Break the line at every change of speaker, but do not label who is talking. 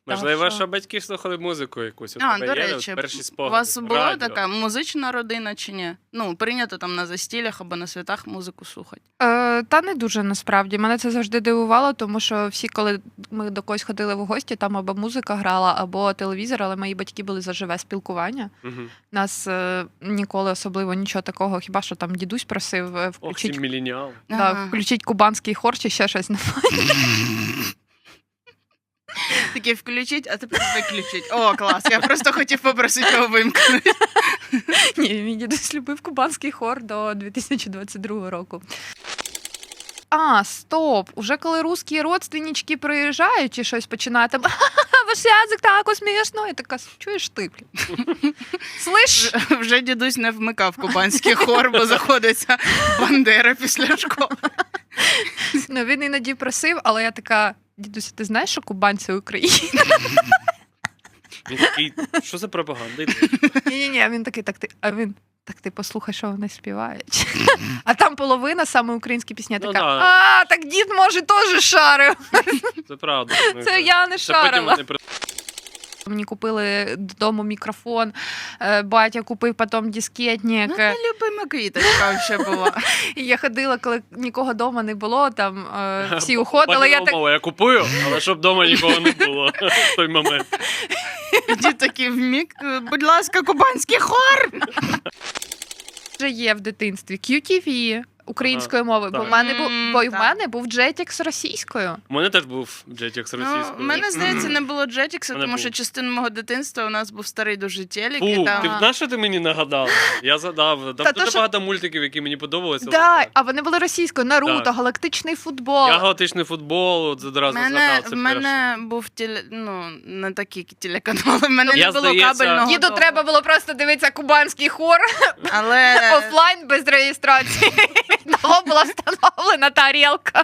Можливо, що батьки слухали музику якусь. У
А,
тебе
до
є
речі,
перші
у
спогади?
вас була
Радіо.
така музична родина чи ні? Ну, прийнято там на застіллях або на святах музику слухати.
Та не дуже насправді. Мене це завжди дивувало, тому що всі, коли ми до когось ходили в гості, там або музика грала, або телевізор, але мої батьки були за живе спілкування.
Мгм.
Нас ніколи особливо нічого такого, хіба що там дідусь просив
Ох, ці
включить,
міленіали.
включить кубанський хор чи ще щось.
Такі включить, а тепер виключить. О, клас, я просто хотів попросити його вимкнути.
Ні, мій дідусь любив кубанський хор до 2022 року. А, стоп! Уже коли русські родственнички приїжджають чи щось починають, там ваш язик так смішно. Я така, чуєш ти, блін? Слиш?
Вже дідусь не вмикав кубанський хор, бо заходиться Бандера після школи.
Ну, він іноді просив, але я така, дідусь, ти знаєш, що кубанці Україна?
Він такий, що за пропаганда? йде?
Ні-ні-ні, він такий, так ти послухай, що вони співають. А там половина саме українські пісні.
Ну
Така,
да.
так дід, може, теж шарив.
Це правда. Ну,
Це я не
Це потім
шарила.
вони при-
Мені купили додому мікрофон, батя купив потім дискетник.
Ну, це любима квіточка ще була.
І я ходила, коли нікого вдома не було, там всі уходили. Я
Пані
так,
Мова, я купую, але щоб вдома нікого не було в той момент.
Дід такий вмік, будь ласка, кубанський хор.
вже є в дитинстві QTV українською мовою, бо
так.
в мене був, бо й в
Так.
мене був Jetix російською.
У мене теж був Jetix
Ну,
російською.
в мене, здається, не було Jetix,
Мене
тому
був.
що частину мого дитинства у нас був старий дуже телек. І
Фу,
там...
ти знаєш, що ти мені нагадав? Я задав. Там
Та
дуже
то, що-
багато мультиків, які мені подобалися.
Да, а вони були російською. Наруто,
Так.
галактичний футбол.
Я галактичний футбол, от одразу згадав. Це
в мене був не такі телеканали, в мене
Я,
не було
здається-
кабельного.
Діду
дома.
треба було просто дивитися кубанський хор
Але
офлайн без реєстрації. Того була встановлена тарілка.